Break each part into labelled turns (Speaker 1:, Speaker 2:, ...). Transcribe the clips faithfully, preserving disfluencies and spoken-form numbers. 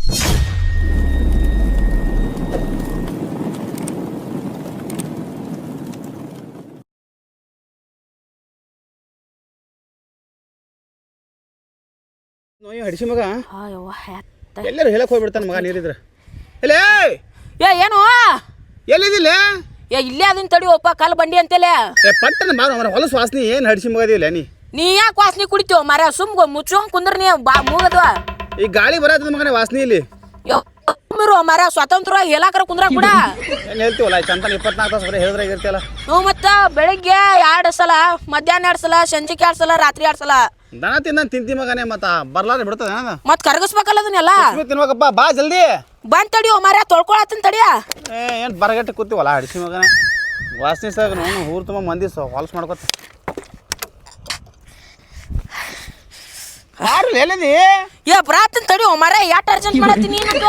Speaker 1: ನೋಯ್ ಹಡಿಸಿ ಮಗ
Speaker 2: ಅಯ್ಯವ್ವ
Speaker 1: ಎಲ್ಲರೂ ಹೇಳಕ್ ಹೋಗ್ಬಿಡ್ತಾನ ಮಗ ನೀರಿದ್ರ ಎಲ್ಲೇ
Speaker 2: ಏ ಏನು
Speaker 1: ಎಲ್ಲಿದಿಲ್ಲ
Speaker 2: ಏ ಇಲ್ಲೇ ಅದನ್ನ ತಡಿಯೋಪ್ಪ ಕಲ್ ಬಂಡಿ ಅಂತೇಲೆ
Speaker 1: ಏ ಪಟ್ಟನ ಬಾರ ಮರ ಹೊಲಸು ವಾಸನಿ ಏನು ಹಡಿಸಿ ಮಗದಿಲ್ಲ ನೀ
Speaker 2: ನೀ ಯಾಕೆ ವಾಸನೆ ಕುಡಿತೀವ ಮರ ಸುಮ್ ಮುಚ್ಕೊಂಡ್ ಕುಂದ್ರ ನೀ ಬಾ ಮೂಗದ್ವ
Speaker 1: ಈ ಗಾಳಿ ಬರತ್ತದ ಮಗನೇ ವಾಸನಿ ಇಲ್ಲಿ
Speaker 2: ಮರ ಸ್ವಾತಂತ್ರ್ಯವಾಗಿ ಹೇಳಾಕರ ಕುಂದ್ರ ಕೂಡ
Speaker 1: ಏನು ಹೇಳ್ತೀವಲ್ಲ ಚಂತನ ಇಪ್ಪತ್ನಾಲ್ಕು ತಾಸು ಬರೀ ಹೇಳಿದ್ರೆ ಇರ್ತೀವಲ್ಲ
Speaker 2: ಹ್ಞೂ ಮತ್ತ ಬೆಳಿಗ್ಗೆ ಎರಡು ಸಲ ಮಧ್ಯಾಹ್ನ ಎರಡು ಸಲ ಸಂಜೆಗೆ ಎರಡು ಸಲ ರಾತ್ರಿ ಎರಡು ಸಲ
Speaker 1: ದನ ತಿಂದ ತಿಂತಿ ಮಗನೇ ಮತ್ತ ಬರ್ಲಾರ ಬಿಡ್ತದ
Speaker 2: ಮತ್ ಕರಗಿಸ್ಬೇಕಲ್ಲ ಅದನ್ನೆಲ್ಲ
Speaker 1: ತಿನ್ಬೇಕಪ್ಪ ಬಾ ಜಲ್ದಿ
Speaker 2: ಬಂದ್ ತಡಿಯೋ ಮರ ತೊಳ್ಕೊಳತ್ತನ್ ತಡಿಯ
Speaker 1: ಏ ಏನು ಬರಗಟ್ಟೆ ಕೂತೀವಲ್ಲ ಹಡಿಸಿ ಮಗನೇ ವಾಸನೆ ಸಾಗ ನೋನು ಊರು ತುಂಬ ಮಂದಿ ಹೊಲಸು ಮಾಡ್ಕೊತ ಯಾರು ಎಲ್ಲಿದಿ
Speaker 2: ಏ ಬರಾತನ್ ತಡಿಯೋ ಮರ ಯಾಟ್ ಅರ್ಜೆಂಟ್ ಮಾಡತ್ತೀನಿ ಏನಂತ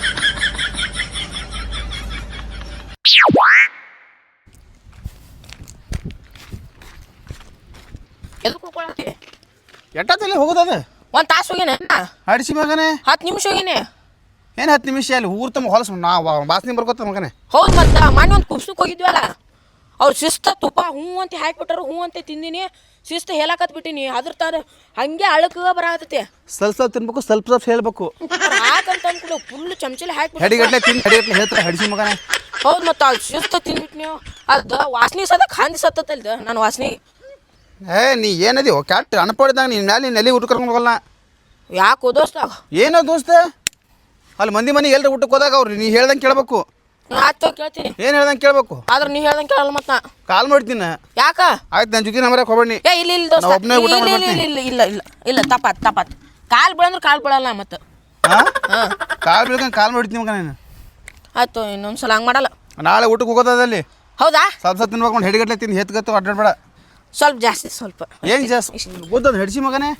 Speaker 1: ಎಟ್ಟಲ್ಲಿ ಹೋಗೋದದ
Speaker 2: ಒಂದ್ ತಾಸು ಹೋಗಿನ
Speaker 1: ಹಡಿಸಿ ಮಗನೇ
Speaker 2: ಹತ್ತು ನಿಮಿಷ ಹೋಗಿನಿ
Speaker 1: ಏನು ಹತ್ತು ನಿಮಿಷ ಅಲ್ಲಿ ಊರು ತುಂಬ ಹೊಲಸು ನಾ ವಾಸನೆ ಬರ್ಕೋತ ಮಗನೇ
Speaker 2: ಹೌದು ಮತ್ತ ಮನೆ ಒಂದು ಕುಪ್ಸಕ್ಕೆ ಹೋಗಿದ್ವಲ್ಲ ಅವ್ರು ಶಿಸ್ತ ತುಪ್ಪ ಹ್ಞೂ ಅಂತ ಹಾಕಿಬಿಟ್ಟಾರ ಹ್ಞೂ ಅಂತ ತಿಂದಿನಿ ಶಿಸ್ತು ಹೇಳಕತ್ ಬಿಟ್ಟಿನಿ ಅದ್ರ ತಾರ ಹಂಗೆ ಅಳಕ ಬರತೈತಿ
Speaker 1: ಸ್ವಲ್ಪ ಸ್ವಲ್ಪ ತಿನ್ಬೇಕು ಸ್ವಲ್ಪ ಸ್ವಲ್ಪ ಹೇಳ್ಬೇಕು
Speaker 2: ಹಾಕಂತ ಅಂದ್ಬಿಡು ಫುಲ್ ಚಮಚಲಿ ಹಾಕಿ
Speaker 1: ಹೆಡಿಗಟ್ಲೆ ತಿಂದು ಹೆಡಿಗಟ್ಲೆ ಹೇಳ್ತಾರೆ ಹಡಿಸಿ ಮಗನೇ
Speaker 2: ಹೌದು ಮತ್ತು ಅದು ಶಿಸ್ತು ತಿಂದ್ಬಿಟ್ಟು ನೀವು ಅದು ವಾಸನೆ ಸದಕ್ಕೆ ಹಂದಿ ಸತ್ತಲ್ದ ನಾನು ವಾಸನೆ
Speaker 1: ಏ ನೀ ಏನದಿ ಕ್ಯಾಟ್ ಅನ್ಪಡಿದಾಗ ನೀನು ಮ್ಯಾಲೆ ನೀನು ಎಲ್ಲಿ ಊಟ ಕರ್ಕೊಂಡು ಹೋಗಲ್ಲ
Speaker 2: ಯಾಕೋ ದೋಸ್ತ
Speaker 1: ಏನೋ ದೋಸ್ತ ಅಲ್ಲಿ ಮಂದಿ ಮನೆ ಎಲ್ಲರೂ ಊಟಕ್ಕೆ ಹೋದಾಗ ಅವ್ರು ನೀ ಹೇಳ್ದಂಗೆ ಕೇಳಬೇಕು
Speaker 2: ಆಯ್ತು ಕೇಳ್ತೀನಿ
Speaker 1: ಏನು ಹೇಳ್ದಂಗೆ ಕೇಳಬೇಕು
Speaker 2: ಆದ್ರೆ ನೀ ಹೇಳ್ದಂಗೆ ಕೇಳಲ್ಲ ಮತ್ತೆ ನಾ
Speaker 1: ಕಾಲ್ ಮಾಡ್ತೀನಿ
Speaker 2: ಯಾಕ
Speaker 1: ಆಯ್ತು ನಾನು ಜೊತೆ ನಂಬರಕ್ಕೆ ಹೋಗ್ಬೇಡಿ
Speaker 2: ಏ ಇಲ್ಲ ಇಲ್ಲ ದೋಸ್ತ
Speaker 1: ಒಬ್ಬನೇ ಊಟ
Speaker 2: ಇಲ್ಲ ಇಲ್ಲ ಇಲ್ಲ ಇಲ್ಲ ಇಲ್ಲ ಇಲ್ಲ ತಪ್ಪಾತ್ ತಪ್ಪಾತ್ ಕಾಲು ಬೀಳಂದ್ರೆ ಕಾಲು ಬೀಳಲ್ಲ ಮತ್ತೆ
Speaker 1: ಹಾಂ
Speaker 2: ಹಾಂ
Speaker 1: ಕಾಲ್ ಬೀಳ್ಕೊಂಡು ಕಾಲ್ ಮಾಡ್ತೀನಿ ಮಗ ನೀನು
Speaker 2: ಆಯ್ತು ಇನ್ನೊಂದು ಸಲ ಹಂಗೆ ಮಾಡಲ್ಲ
Speaker 1: ನಾಳೆ ಊಟಕ್ಕೆ ಹೋಗೋದಲ್ಲಿ
Speaker 2: ಹೌದಾ
Speaker 1: ಸ್ವಲ್ಪ ಸ್ವಲ್ಪ ತಿನ್ಬೇಕು ಹೆಡಿಗಟ್ಲೆ ತಿಂದು ಹೆತ್ಗತ್ತು ಅಡ್ಡಾಡ್ಬೇಡ
Speaker 2: ಸ್ವಲ್ಪ ಜಾಸ್ತಿ ಸ್ವಲ್ಪ
Speaker 1: ಏನು ಜಾಸ್ತಿ ಗೊತ್ತದ ಹಡಿಸಿ ಮಗನೇ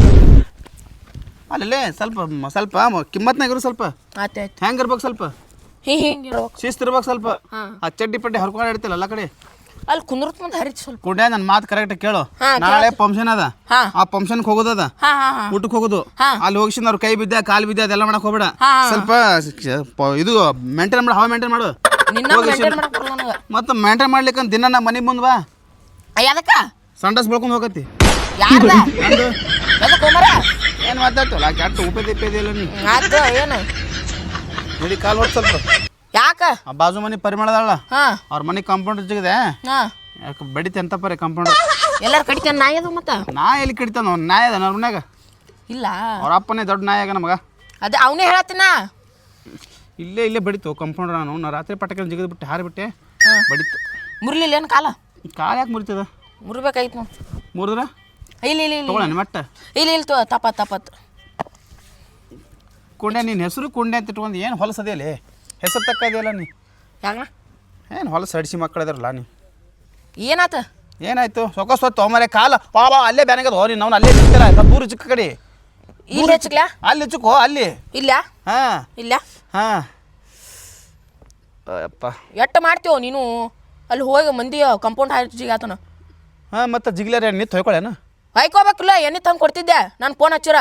Speaker 1: ಅಲ್ಲೇ ಸ್ವಲ್ಪ ಸ್ವಲ್ಪ ಕಿಮ್ಮತ್ನಾಗಿರು ಸ್ವಲ್ಪ
Speaker 2: ಆಯ್ತು ಆಯ್ತು
Speaker 1: ಹೆಂಗೆ ಇರ್ಬೇಕು ಸ್ವಲ್ಪ
Speaker 2: ಹಿಂಗೆ ಹಿಂಗೆ ಇರ್ಬೇಕು
Speaker 1: ಶಿಸ್ತು ಇರ್ಬೇಕು ಸ್ವಲ್ಪ
Speaker 2: ಹಾಂ
Speaker 1: ಆ ಚಡ್ಡಿ ಪಡ್ಡಿ ಹರ್ಕೊಂಡು ಇಡ್ತಿಲ್ಲ ಎಲ್ಲ ಕಡೆ
Speaker 2: ಅಲ್ಲಿ ಕುಂದ್ರತ್ ಮುಂದೆ ಹರಿತು ಸ್ವಲ್ಪ
Speaker 1: ಕುಡ್ಯ ನನ್ನ ಮಾತು ಕರೆಕ್ಟ್ ಕೇಳು
Speaker 2: ಹಾ,
Speaker 1: ನಾಳೆ ಫಂಕ್ಷನ್ ಅದ
Speaker 2: ಹಾ.
Speaker 1: ಆ ಫಂಕ್ಷನ್ಗೆ ಹೋಗೋದದ
Speaker 2: ಹಾಂ ಹಾಂ ಹಾಂ
Speaker 1: ಊಟಕ್ಕೆ ಹೋಗೋದು
Speaker 2: ಹಾ.
Speaker 1: ಅಲ್ಲಿ ಹೋಗಿಸಿನ ಅವ್ರ ಕೈ ಬಿದ್ದ ಕಾಲು ಬಿದ್ದ ಅದೆಲ್ಲ ಮಾಡಕ್ ಹೋಗ್ಬೇಡ
Speaker 2: ಹಾ.
Speaker 1: ಸ್ವಲ್ಪ ಪ- ಇದು ಮೇಂಟೈನ್ ಮಾಡು ಹಾವ ಮೇಂಟೈನ್ ಮಾಡು
Speaker 2: ನಿನ್ನ ಮೇಂಟೈನ್ ಮಾಡಕ್ ಬರಲ್ಲ ನನಗೆ
Speaker 1: ಮತ್ತೆ ಮೇಂಟೈನ್ ಮಾಡ್ಲಿಕ್ಕೆ ದಿನ ನಮ್ಮ ಮನೆ ಮುಂದೆ ಬಾ
Speaker 2: ಯಾದಕ್ಕ
Speaker 1: ಸಂಡಸ್ ಬೆಳ್ಕೊಂಡು ಹೋಗತ್ತಿ
Speaker 2: ಯಾರ್ದ
Speaker 1: ನಂದು
Speaker 2: ಯಾದಕ್ಕ ಹೋಮರ
Speaker 1: ಏನು ಮಾತಾಡ್ತಲ್ಲ ಕೆಟ್ಟ ಉಪೇದ ಇಪ್ಪೇದ ಇಲ್ಲ ನೀ
Speaker 2: ಆಯ್ತು ಏನು
Speaker 1: ನೋಡಿ ಕಾಲು ಹೊತ್ತು ಸ್ವಲ್ಪ
Speaker 2: ಯಾಕ
Speaker 1: ಆ ಬಾಜು ಮನೆ ಪರಿಮಳದಲ್ಲ
Speaker 2: ಹಾಂ
Speaker 1: ಅವ್ರ ಮನೆ ಕಾಂಪೌಂಡರ್ ಜಿಗಿದೆ
Speaker 2: ಹಾಂ
Speaker 1: ಯಾಕೆ ಬಡಿತೆ ಅಂತ ಪರಿ ಕಾಂಪೌಂಡರ್
Speaker 2: ಎಲ್ಲಾರು ಕಡಿತಾನೆ ನಾಯಿ ಅದು ಮತ್ತೆ
Speaker 1: ನಾ ಎಲ್ಲಿ ಕಡಿತಾನ ಅವ್ನು ನಾಯಿ ಅದ ಅವ್ರ ಮನ್ಯಾಗ
Speaker 2: ಇಲ್ಲ
Speaker 1: ಅವ್ರ ಅಪ್ಪನೇ ದೊಡ್ಡ ನಾಯಿ ಆಗ ನಮಗ
Speaker 2: ಅದೇ ಅವನೇ ಹೇಳತ್ತಿನ
Speaker 1: ಇಲ್ಲೇ ಇಲ್ಲೇ ಬಡಿತು ಕಂಪೌಂಡರ್ ನಾನು ನಾ ರಾತ್ರಿ ಪಟಕ ಜಿಗಿದು ಬಿಟ್ಟು ಹಾರಿಬಿಟ್ಟೆ
Speaker 2: ಹಾಂ
Speaker 1: ಬಡಿತು
Speaker 2: ಮುರ್ಲಿಲ್ಲ ಏನು ಕಾಲ
Speaker 1: ಕಾಲು ಯಾಕೆ ಮುರಿತದ
Speaker 2: ಮುರ್ಬೇಕಾಯ್ತು ನಾವು
Speaker 1: ಮುರಿದ್ರ
Speaker 2: ಇಲ್ಲ ಇಲ್ಲ ಇಲ್ಲ
Speaker 1: ತಗೊಳ್ಳಿ ಮಟ್ಟ
Speaker 2: ಇಲ್ಲ ಇಲ್ಲ ತೋ ತಪ್ಪತ್ ತಪ್ಪತ್
Speaker 1: ಕುಂಡೆ ನಿನ್ನ ಹೆಸರು ಕುಂಡೆ ಅಂತ ಇಟ್ಕೊಂಡು ಏನು ಹೊಲಸದಿಯಲ್ಲಿ ಹೆಸರು ತಕ್ಕದಿಲ್ಲ ನೀ
Speaker 2: ಯಾಕ
Speaker 1: ಏನು ಹೊಲಸು ಹಡಿಸಿ ಮಕ್ಕಳು ಇದಾರಲ್ಲ ನೀ
Speaker 2: ಏನಾತ
Speaker 1: ಏನಾಯ್ತು ಸೊಕ್ಕ ಸೊತ್ತು ತೊಗೊಂಬರೆ ಕಾಲ ಬಾ ಬಾ ಅಲ್ಲೇ ಬ್ಯಾನಾಗದ ಹೋ ನೀನು ಅವ್ನು ಅಲ್ಲೇ ಚಿಕ್ಕಿಲ್ಲ ಸ್ವಲ್ಪ ದೂರ ಚಿಕ್ಕ ಕಡೆ
Speaker 2: ಇಲ್ಲಿ ಹೆಚ್ಚಕ್ಲಾ
Speaker 1: ಅಲ್ಲಿ ಚಿಕ್ಕೋ ಅಲ್ಲಿ
Speaker 2: ಇಲ್ಲ
Speaker 1: ಹಾಂ
Speaker 2: ಇಲ್ಲ
Speaker 1: ಹಾಂ ಅಪ್ಪ
Speaker 2: ಎಟ್ಟು ಮಾಡ್ತೀವೋ ನೀನು ಅಲ್ಲಿ ಹೋಗಿ ಮಂದಿ ಕಂಪೌಂಡ್ ಹಾಕಿ ಆತನ
Speaker 1: ಹಾಂ ಮತ್ತು ಜಿಗ್ಲಾರ ನಿಂತು ಹೊಯ್ಕೊಳ್ಳೇನು
Speaker 2: ಹೊಯ್ಕೋಬೇಕಿಲ್ಲ ಎಣ್ಣೆ ತಂದು ಕೊಡ್ತಿದ್ದೆ ನಾನು ಫೋನ್ ಹಚ್ಚಿರ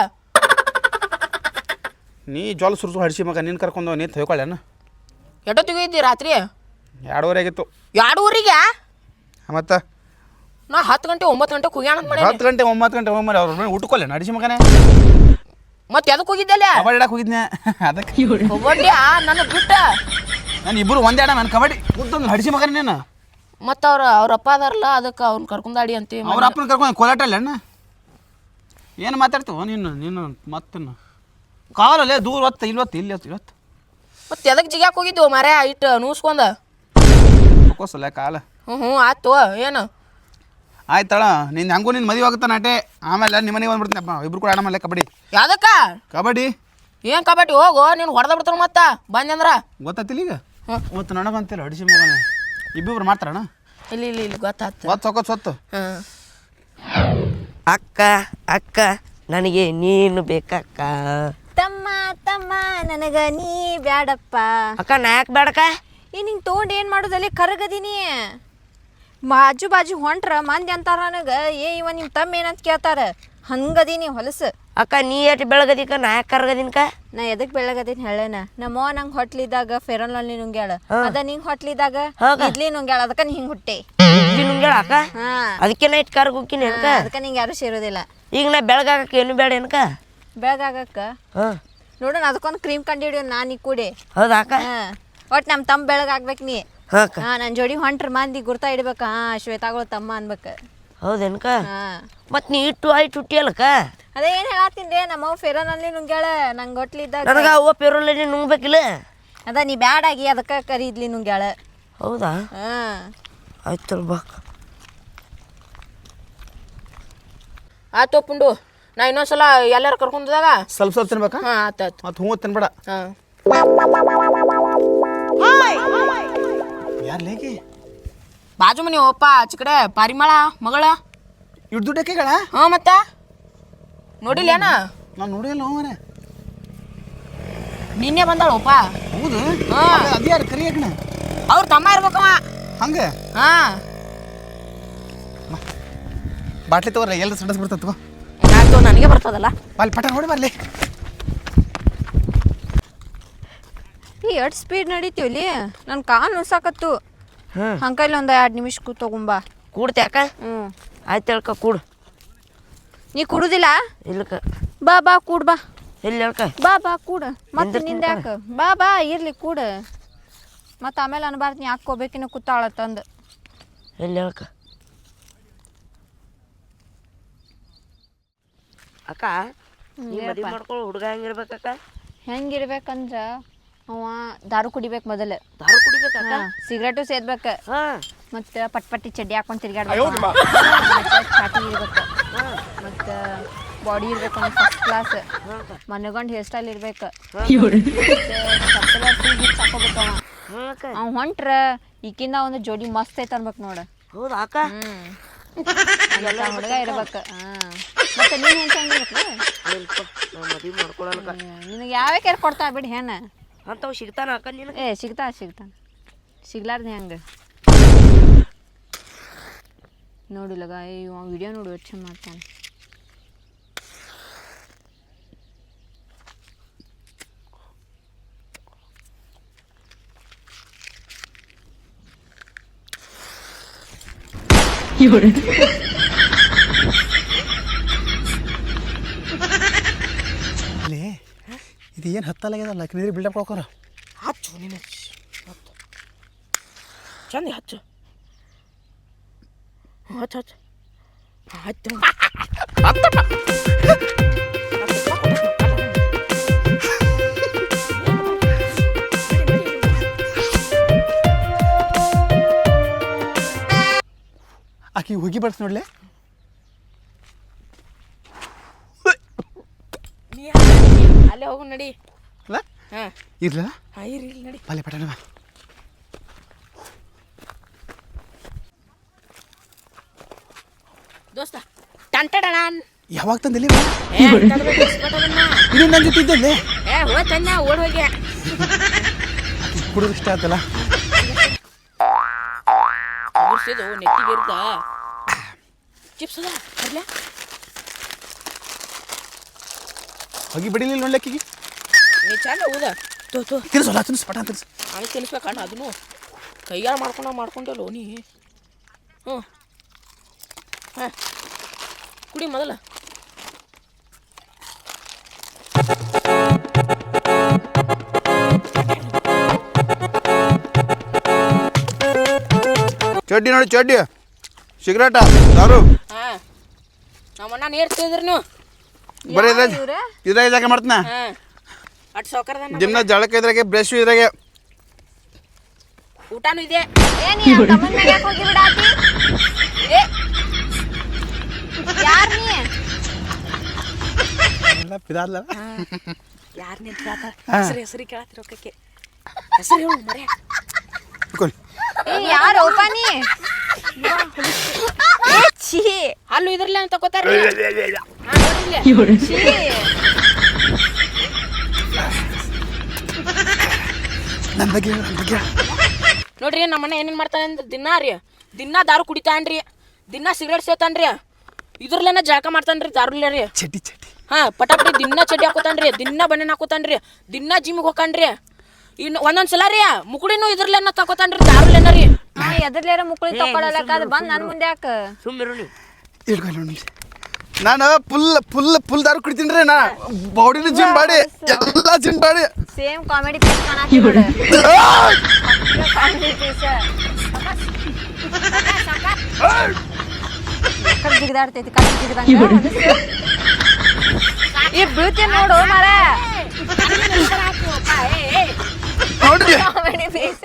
Speaker 1: ನೀ ಜೋಲ್ ಸುರ್ಸು ಹಡಿಸಿ ಮಗ ನೀನು ಕರ್ಕೊಂಡು ನಿಂತು ಹೊಯ್ಕೊಳ್ಳೇನು
Speaker 2: ಎಷ್ಟೊತ್ತಿಗೆ ಇದ್ದಿ ರಾತ್ರಿ
Speaker 1: ಎರಡೂವರೆ ಆಗಿತ್ತು
Speaker 2: ಎರಡೂವರೆಗೆ
Speaker 1: ಮತ್ತು
Speaker 2: ನಾ ಹತ್ತು ಗಂಟೆ ಒಂಬತ್ತು ಗಂಟೆ ಕುಗ್ಯಾಣ ಮಾಡಿ
Speaker 1: ಹತ್ತು ಗಂಟೆ ಒಂಬತ್ತು ಗಂಟೆ ಒಮ್ಮೆ ಅವ್ರ ಮನೆ ಊಟಕ್ಕೊಲ್ಲೇನು ಹಡಿಸಿ ಮಗನೇ
Speaker 2: ಮತ್ತೆ ಎದಕ್ಕೆ ಹೋಗಿದ್ದಲ್ಲ
Speaker 1: ಕಬಡ್ಡಿ ಆಡಕ್ಕೆ ಹೋಗಿದ್ನೆ ಅದಕ್ಕೆ
Speaker 2: ಕಬಡ್ಡಿ ನನ್ನ ಬಿಟ್ಟ
Speaker 1: ನಾನು ಇಬ್ಬರು ಒಂದೇ ಆಡ ನಾನು ಕಬಡ್ಡಿ ಕೂತಂದು ಹಡಿಸಿ ಮಗನೇ ನೀನು
Speaker 2: ಮತ್ತು ಅವ್ರ ಅವ್ರ ಅಪ್ಪ ಅದಾರಲ್ಲ ಅದಕ್ಕೆ ಅವ್ನ ಕರ್ಕೊಂಡಾಡಿ ಅಂತ
Speaker 1: ಅವ್ರ ಅಪ್ಪನ ಕರ್ಕೊಂಡು ಕೋಲಾಟ ಅಣ್ಣ ಏನು ಮಾತಾಡ್ತೀವ ನೀನು ನೀನು ಮತ್ತನ್ನು ಕಾಲಲ್ಲೇ ದೂರ ಹೊತ್ತು ಇಲ್ವತ್ತು ಇಲ್ಲಿ ಹೊತ್ತು ಇವತ್ತು
Speaker 2: ಮತ್ತೆ ಎದಕ್ಕೆ ಜಿಗ್ಯಾಕೆ ಹೋಗಿದ್ದು ಮರ ಇಟ್ಟು ನೂಸ್ಕೊಂಡ
Speaker 1: ಕೋಸಲ್ಲ ಕಾಲ
Speaker 2: ಹ್ಞೂ ಹ್ಞೂ ಆಯ್ತು ಏನು
Speaker 1: ಆಯ್ತಳ ನಿನ್ನ ಹಂಗೂ ನಿನ್ನ ಮದುವೆ ಆಗುತ್ತೆ ನಾಟೆ ಆಮೇಲೆ ನಿಮ್ಮ ಮನೆಗೆ ಬಂದ್ಬಿಡ್ತೀನಿ ಅಪ್ಪ ಇಬ್ರು ಕೂಡ ಆಡಮಲ್ಲ ಕಬಡ್ಡಿ
Speaker 2: ಯಾವ್ದಕ್ಕ
Speaker 1: ಕಬಡ್ಡಿ
Speaker 2: ಏನು ಕಬಡ್ಡಿ ಹೋಗು ನೀನು ಹೊಡೆದ ಬಿಡ್ತಾರ ಮತ್ತೆ ಬಂದಂದ್ರ
Speaker 1: ಗೊತ್ತಾತಿಲ್ಲ ಈಗ
Speaker 2: ಹ್ಞೂ
Speaker 1: ಇವತ್ತು ನನಗಂತಿಲ್ಲ ಹಡಿಸಿ ಮಗನ ಇಬ್ಬಿಬ್ರು ಮಾಡ್ತಾರಣ್ಣ
Speaker 2: ಇಲ್ಲಿ ಇಲ್ಲಿ ಇಲ್ಲಿ ಗೊತ್ತಾಯ್ತು
Speaker 1: ಒತ್ತು ಸೊಕ್ಕ ಸೊತ್ತು
Speaker 2: ಹಾಂ
Speaker 3: ಅಕ್ಕ ಅಕ್ಕ ನನಗೆ ನೀನು ಬೇಕಕ್ಕ
Speaker 4: ತಮ್ಮ ತಮ್ಮ ನನಗ ನೀ ಬ್ಯಾಡಪ್ಪ
Speaker 3: ಅಕ್ಕ ನಾ ಯಾಕೆ ಬೇಡಕ್ಕ
Speaker 4: ಈ ನಿಂಗೆ ತೊಗೊಂಡು ಏನು ಮಾಡೋದಲ್ಲಿ ಕರಗದೀನಿ ಬಾಜು ಬಾಜು ಹೊಂಟ್ರ ಮಂದಿ ಅಂತಾರ ನನಗೆ ಏ ಇವ ನಿಮ್ಮ ತಮ್ಮ ಏನಂತ ಕೇಳ್ತಾರ ಹಂಗದೀನಿ ಹೊಲಸು.
Speaker 3: ಅಕ್ಕ ನೀ ಎಷ್ಟು ಬೆಳಗದಿಕ್ಕ ನಾ ಯಾಕೆ ಕರ್ಗದಿನ್ಕ?
Speaker 4: ನಾ ಎದಕ್ ಬೆಳಗದೀನಿ ಹೇಳೇನ, ನಮ್ಮವ್ವ ನಂಗೆ ಹೊಟ್ಲಿದಾಗ ಫೆರನ್ ಲವ್ಲಿ ನುಂಗ್ಯಾಳ, ಅದ ನಿಂಗೆ ಹೊಟ್ಲಿದಾಗ ಇಡ್ಲಿ ನುಂಗ್ಯಾಳ, ಅದಕ್ಕೆ ನೀ ಹಿಂಗೆ ಹುಟ್ಟೆ.
Speaker 3: ಇಡ್ಲಿ ನುಂಗ್ಯಾಳ ಅಕ್ಕ?
Speaker 4: ಹಾ
Speaker 3: ಅದಕ್ಕೆ ನಾ ಇಟ್ಟು ಕರ್ಗ ಹೋಗ್ತೀನಿ ಅನ್ಕ.
Speaker 4: ಅದಕ್ಕೆ ನಿಂಗೆ ಯಾರು ಸೇರೋದಿಲ್ಲ.
Speaker 3: ಈಗ ನಾ ಬೆಳಗಾಗಕ್ಕೆ ಏನು ಬೇಡ ಏನಕ?
Speaker 4: ಬೆಳಗಾಗಕ್ಕ
Speaker 3: ಹಾಂ
Speaker 4: ನೋಡೋಣ ಅದಕ್ಕೊಂದು ಕ್ರೀಮ್ ಕಂಡು ಹಿಡಿಯೋ ನಾನು ಈ ಕೂಡಿ.
Speaker 3: ಹೌದಾ ಅಕ್ಕ?
Speaker 4: ಹಾಂ ಒಟ್ಟು ನಮ್ಮ ತಮ್ಮ ಬೆಳಗಾಗ್ಬೇಕು ನೀ.
Speaker 3: ಹಾಂ ಅಕ್ಕ.
Speaker 4: ಹಾಂ ನನ್ನ ಜೋಡಿ ಹೊಂಟ್ರ ಮಂದಿ ಗುರ್ತಾ ಇಡ್ಬೇಕು. ಹಾಂ ಶ್ವೇತಾಗಳು ತಮ್ಮ ಅನ್ಬೇಕು.
Speaker 3: ಹೌದೇನಕ?
Speaker 4: ಹಾಂ
Speaker 3: ಮತ್ತು ನೀ ಇಟ್ಟು ಆಯ್ತು ಹುಟ್ಟಿ ಅಲ್ಲಕ್ಕ?
Speaker 4: ಅದೇ ಏನು ಹೇಳತ್ತೀನಿ ರೀ, ನಮ್ಮವ್ ಫೆರನ್ ಅಲ್ಲಿ ನುಂಗ್ಯಾಳ ನಂಗೆ ಹೊಟ್ಲಿದ್ದಾಗ.
Speaker 3: ನನಗೆ ಅವ್ವ ಪೆರೋಲೇ ನುಂಗ್ಬೇಕಿಲ್ಲ?
Speaker 4: ಅದ ನೀ ಬ್ಯಾಡಾಗಿ ಅದಕ್ಕೆ ಕರಿ ಇಡ್ಲಿ ನುಂಗ್ಯಾಳ.
Speaker 3: ಹೌದಾ?
Speaker 4: ಹಾಂ
Speaker 3: ಆಯ್ತು ಬಾ.
Speaker 2: ಆಯ್ತು ಪುಂಡು, ನಾ ಇನ್ನೊಂದ್ಸಲ ಎಲ್ಲಾರು ಕರ್ಕೊಂಡದಾಗ
Speaker 1: ಸ್ವಲ್ಪ ಸ್ವಲ್ಪ ತಿನ್ಬೇಕಾ?
Speaker 2: ಹಾಂ ಆತಾಯ್ತು.
Speaker 1: ಮತ್ತು ಹ್ಞೂ ತಿನ್ಬೇಡ.
Speaker 2: ಹಾಂ
Speaker 1: ಯಾರು ಲೇಗಿ
Speaker 2: ಬಾಜು ಮನಿ ಓಪ್ಪ ಆಚೆ ಕಡೆ ಪಾರಿಮಳ ಮಗಳ.
Speaker 1: ಇಟ್ಟು ದುಡ್ಡಕ್ಕೆಗಳ?
Speaker 2: ಹಾಂ ಮತ್ತೆ ನೋಡಿಲ್ಲೇನ?
Speaker 1: ನಾನು ನೋಡಿಲ್ಲ ಮನೆ.
Speaker 2: ನಿನ್ನೆ ಬಂದಾಳಪ್ಪ.
Speaker 1: ಹೌದು?
Speaker 2: ಹಾಂ
Speaker 1: ಅದು ಯಾರು ಕರಿ ಯಾಕಣ?
Speaker 2: ಅವ್ರ ತಮ್ಮ ಇರ್ಬೇಕವ.
Speaker 1: ಹಂಗೆ?
Speaker 2: ಹಾಂ
Speaker 1: ಬಾಟ್ಲಿ ತಗೋರಿ, ಎಲ್ಲರೂ ಸಡಸ್ ಬಿಡ್ತದೆ ತಗೋ.
Speaker 2: ಆಯ್ತು, ನನಗೆ ಬರ್ತದಲ್ಲ.
Speaker 1: ಅಲ್ಲಿ ಪಟ ನೋಡಿ ಬರ್ಲಿ.
Speaker 4: ಈ ಎಷ್ಟು ಸ್ಪೀಡ್ ನಡೀತೀವಲ್ಲಿ, ನನ್ನ ಕಾಲು ನುಸಾಕತ್ತು.
Speaker 3: ಹಾಂ
Speaker 4: ಹಂಕಲ್ಲಿ ಒಂದು ಎರಡು ನಿಮಿಷ ಕೂ ತಗೊಂಬಾ.
Speaker 3: ಕೂಡ್ತೆ ಅಕ್ಕ?
Speaker 4: ಹ್ಞೂ
Speaker 3: ಆಯ್ತು ಹೇಳ್ಕ ಕೂಡು.
Speaker 4: ನೀ ಕುಡುದಿಲ್ಲ?
Speaker 3: ಇಲ್ಲಕ್ಕ.
Speaker 4: ಬಾ ಬಾ ಕೂಡ್ ಬಾ.
Speaker 3: ಎಲ್ಲಿ ಹೇಳ್ಕ?
Speaker 4: ಬಾ ಬಾ ಕೂಡ ಮತ್ತೆ ನಿಂದ ಯಾಕೆ? ಬಾ ಬಾ ಇರ್ಲಿ ಕೂಡ, ಮತ್ತು ಆಮೇಲೆ ಅನ್ಬಾರ್ದು ನೀ ಹಾಕೋಬೇಕಿನ ಕೂತಾಳ ತಂದು.
Speaker 3: ಎಲ್ಲಿ ಹೇಳ್ಕ? ಅಕ್ಕ ನೀ ಮದುವೆ ಮಾಡ್ಕೊಳ್ಳೋ ಹುಡುಗ ಹೆಂಗಿರ್ಬೇಕಕ್ಕ?
Speaker 4: ಹೆಂಗಿರ್ಬೇಕಂದ್ರ ಅವ ದಾರು ಕುಡಿಬೇಕು ಮೊದಲು.
Speaker 3: ದಾರು ಕುಡಿಬೇಕಕ್ಕ?
Speaker 4: ಸಿಗರೇಟು ಸೇದ್ಬೇಕು,
Speaker 3: ಹಾಂ
Speaker 4: ಮತ್ತು ಪಟ್ ಪಟ್ಟಿ ಚಡ್ಡಿ ಹಾಕೊಂಡು ತಿರ್ಗಾಡ್ಬೇಕು, ಮತ್ತು ಚಾಟಿ ಇರ್ಬೇಕು, ಮತ್ತು ಬಾಡಿ ಇರ್ಬೇಕು ಒಂದು ಫಸ್ಟ್ ಕ್ಲಾಸ್, ಮನೆಗೊಂಡು ಹೇರ್ ಸ್ಟೈಲ್ ಇರ್ಬೇಕು, ಹಾಕೋಬೇಕು. ಅವ
Speaker 3: ಹಾಂ ಅಕ್ಕ.
Speaker 4: ಅವ್ ಹೊಂಟ್ರ ಈಕಿಂದ ಒಂದು ಜೋಡಿ ಮಸ್ತ್ ಐತೆ ಅನ್ಬೇಕು ನೋಡು.
Speaker 3: ಹೌದಾ ಅಕ್ಕ?
Speaker 4: ಹ್ಞೂ ಹುಡುಗ ಇರ್ಬೇಕು. ಹಾಂ ಮತ್ತೆ ನೀನು ಹೆಂಗೆ ಹೆಂಗಿರ್ಬೇಕು?
Speaker 3: ಇಲ್ಪ ನಾ ಮದುವೆ ಮಾಡ್ಕೊಳಲ್ಕ.
Speaker 4: ನಿನಗೆ ಯಾವೇ ಕೇರ್ ಕೊಡ್ತಾ ಬಿಡಿ ಹೆಣ್ಣ.
Speaker 3: ಅಂಥವು ಸಿಗ್ತಾನ ಅಕ್ಕ ನಿನಗೆ?
Speaker 4: ಏ ಸಿಗ್ತಾ ಸಿಗ್ತಾನ, ಸಿಗ್ಲಾರ್ದು ಹೆಂಗೆ ನೋಡಿಲ್ಲಗ. ಇವ ವಿಡಿಯೋ ನೋಡು ಎಷ್ಟು ಚಂದ ಮಾಡ್ತಾನೆ.
Speaker 1: ಇಲ್ಲಿ ಇದು ಏನು ಹತ್ತಲಾಗ್ಯದಲ್ಲ, ನೀರು ಬಿಲ್ಡಪ್ ಕೊಡ್ಕೋರ.
Speaker 2: ಹಚ್ಚು ನೀನು ಹತ್ತು ಚಂದ ಹಚ್ಚು. ಹಚ್ಚು ಹಚ್ಚು ಹಚ್ಚು.
Speaker 1: ಆಕಿ ಹೋಗಿ ಬರ್ತ ನೋಡ್ಲೆ.
Speaker 2: ಅಲ್ಲೇ ಹೋಗು ನಡಿ.
Speaker 1: ಅಲ್ಲ
Speaker 2: ಹಾಂ
Speaker 1: ಇರ್ಲ
Speaker 2: ಹಾಂ ಇರ್ಲಿ ಇಲ್ಲಿ ನಡಿ.
Speaker 1: ಬಾಲೆ ಪಟನ ಬಾ.
Speaker 2: ದೋಸ್ತ ಟಂಟಡಣ.
Speaker 1: ಯಾವಾಗ ತಂದಿಲ್ಲ
Speaker 2: ಏ
Speaker 1: ಇದು ನನ್ನ ಜೊತೆ ಇದ್ದಲ್ಲಿ
Speaker 2: ಹೋಯ್ತನ್ನ ಓಡ್ ಹೋಗಿ
Speaker 1: ಕುಡಿದು ಇಷ್ಟ ಆಯ್ತಲ್ಲ.
Speaker 2: ಮುರ್ಸಿದು ನೆಟ್ಟಿಗೆ ಇರ್ದ ಚಿಪ್ಸ್ ಅದ ಬರ್ಲ
Speaker 1: ಹೋಗಿ ಬಿಡಿಲಿಲ್ಲ ನೋಡ್ಲಿಕ್ಕಿಗೆ.
Speaker 2: ನೀ ಚಂದ ಊದ ತೋ ತೋ
Speaker 1: ತಿನ್ಸಲ್ಲ ತಿನ್ಸ್ ಪಟ ತಿನ್ಸ್.
Speaker 2: ಹಂಗೆ ತಿನ್ಸ್ಬೇಕಣ್ಣ ಅದನ್ನು ಕೈಯಾರ ಮಾಡ್ಕೊಂಡ ಮಾಡ್ಕೊಂಡಲ್ಲ ನೀ. ಹ್ಞೂ ಹಾಂ ಕುಡಿ ಮೊದಲ.
Speaker 1: ಚಡ್ಡಿ ನೋಡಿ ಚಡ್ಡಿ, ಸಿಗರೇಟ, ದಾರು.
Speaker 2: ಹಾಂ ನಮ್ಮಣ್ಣ ನೀರು ತಿಂದ್ರಿ ನೀವು
Speaker 1: ಬರೀ ಇದ್ರಾಗ ಜಾಗ ಮಾಡ್ತೀನ.
Speaker 2: ಹಾಂ ಅಟ್ ಸೌಕರ್ದ
Speaker 1: ದಿನ ಜಳಕ ಇದ್ರಾಗೆ, ಬ್ರಷ್ ಇದ್ರಾಗೆ,
Speaker 2: ಊಟನೂ ಇದೆ.
Speaker 4: ಏನಿ ತಮ್ಮನ ಮನೆಗೆ ಹೋಗಿ ಬಿಡಾತಿ? ಏ ಯಾರ್ ನೀ?
Speaker 1: ಎಲ್ಲ ಪಿದಾದ್ಲ.
Speaker 2: ಯಾರು ನಿಂತ ಕೇಳ್ತಾರ ಹೆಸರು ಹೆಸರು ಕೇಳತ್ತಿರೋಕಕ್ಕೆ ಹೆಸರು ಹೇಳು ಮರೆ.
Speaker 4: ಏ ಯಾರು ಓಪ ನೀ? ಏ ಛೀ
Speaker 2: ಅಲ್ಲೂ ಇದ್ರಲ್ಲ ಅಂತ ತಗೋತಾರ.
Speaker 4: ಛೀ
Speaker 1: ನನ್ನ ಬಗ್ಗೆ ನನ್ನ ಬಗ್ಗೆ
Speaker 2: ನೋಡ್ರಿ ನಮ್ಮಣ್ಣ ಏನೇನು ಮಾಡ್ತಾನೆ ಅಂದ್ರೆ ದಿನಾ ರೀ ದಿನಾ ದಾರು ಕುಡಿತಾನ್ರಿ, ದಿನಾ ಸಿಗರೇಟ್ ಸೇತಾನ್ರಿ. ಇದ್ರಲ್ಲೇನ ಜಳಕ ಮಾಡ್ತಾನ್ರಿ ದಾರುಲ್ಯ ರೀ
Speaker 1: ಚಟಿ ಚಟಿ
Speaker 2: ಹಾ ಪಟಾಪಟಿ ದಿನ ಚಡ್ಡಿ ಹಾಕೋತಾನ್ರಿ ದಿನ ಬಣ್ಣನ ಹಾಕೋತಾನ್ರಿ ದಿನ ಜಿಮ್ಗೆ ಹೋಗ್ತಾನ್ರಿ ಇನ್ನು ಒಂದೊಂದ್ ಸಲ ರೀ ಮುಕುಳಿನೂ ಇದ್ರಲ್ಲೇನ ತಗೋತಾನ್ರಿ ದಾರುಲ್ಯನ ರೀ
Speaker 4: ನಾ ಎದರ್ಲೇರ ಮುಕ್ಳಿ ತಕೊಳಲಕ್ಕ ಅದು ಬಂದ್ ನನ್ ಮುಂದೆ ಯಾಕ
Speaker 3: ಸುಮ್ಮಿರು ನೀ
Speaker 1: ಇಡ್ಕೊಳ್ಳಿ ನೋಡಿ ನಾನು ಫುಲ್ ಫುಲ್ ಫುಲ್ ದಾರು ಕುಡಿತೀನಿ ರೀ ನಾ ಬಾಡಿನ ಜಿಮ್ ಬಾಡಿ ಎಲ್ಲ gym body
Speaker 4: same comedy piece ಕಾಣಾಕಿ ನೋಡು ಕಾಮಿಡಿ ಪೀಸ್ ಕಟ್ ಜಿಗದಾಡ್ತೈತಿ ಕಟ್ ಜಿಗದಂಗ ಈ ಬ್ಯೂಟಿ ನೋಡು ಮಾರ
Speaker 1: ನೋಡ್ರಿ
Speaker 4: ಕಾಮಿಡಿ ಪೀಸ್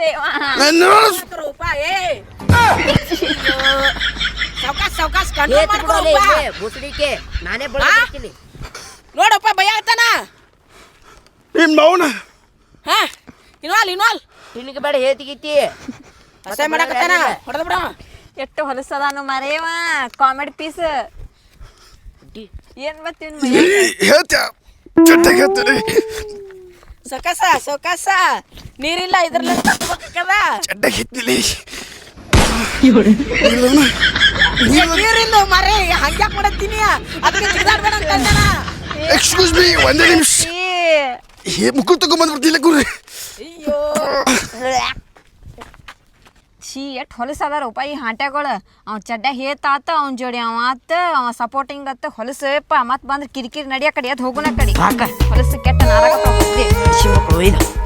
Speaker 2: ಸಾವ್ಕಾಸ್ ಸಾವ್ಕಾಸ್
Speaker 3: ಬುಸಡಿಕೆ ನಾನೇ ಬಳಸ್ತೀನಿ
Speaker 2: ನೋಡಪ್ಪ ಭಯ ಆಗ್ತಾನ
Speaker 1: ನಿಮ್ಮ ಮೌನ
Speaker 2: ಹಾ ಇನ್ವಾಲ್ ಇನ್ವಾಲ್
Speaker 3: ತಿನ್ನಿಗೆ ಬೇಡ ಹೇತಿಗಿತ್ತಿ
Speaker 2: ಅಸಹ್ಯ ಮಾಡಕತ್ತಾನ ಹೊಡೆದ ಬಿಡ
Speaker 4: ಎಷ್ಟು ಹೊಲಸದಾನು ಮರೇವ ಕಾಮಿಡಿ ಪೀಸ್ ಏನ್ ಬತ್ತೀವಿ
Speaker 1: ಹೇಳ್ತ ಚಟ್ಟಾಗ ಹೇಳ್ತೀರಿ
Speaker 2: ಸೊಕಸ ಸೊಕಸ ನೀರಿಲ್ಲ ಇದ್ರಲ್ಲ ತಗೋಬೇಕದ
Speaker 1: ಚಟ್ಟಾಗ ಹೇಳ್ತಿಲಿ
Speaker 2: ನೀರಿಲ್ಲ ಮರೆ ಹಂಗ್ಯಾಕ್ ಮಾಡತ್ತೀನಿ ಅದಕ್ಕೆ ಜಿಗಾಡ್ಬೇಡ ಅಂತ ಅಂದನ
Speaker 1: ಎಕ್ಸ್ಕ್ಯೂಸ್ ಮೀ ಒಂದೇ ನಿಮಿಷ ಏ ಮುಕ್ಕಳು ತಗೊಂಬಂದ್ಬಿಡ್ತಿಲ್ಲ ಗುರು
Speaker 2: ಅಯ್ಯೋ
Speaker 4: ಛೀ ಎಷ್ಟು ಹೊಲಸದಾರಪ್ಪ ಈ ಹಾಂಟ್ಯಾಗಳು ಅವ್ ಚಡ್ಡ ಹೇತಾತ ಅವ್ನ ಜೋಡಿ ಅವ ಆತ ಅವ ಸಪೋರ್ಟಿಂಗ್ ಅತ್ತ ಹೊಲಸಪ್ಪ ಮತ್ತೆ ಬಂದ್ರೆ ಕಿರಿಕಿರಿ ನಡಿಯ ಕಡೆ ಅದು ಹೋಗುನ ಕಡೆ ಹೊಲಸು ಕೆಟ್ಟ ನಾರಾಗತ್ತ
Speaker 3: ಮಕ್ಕಳು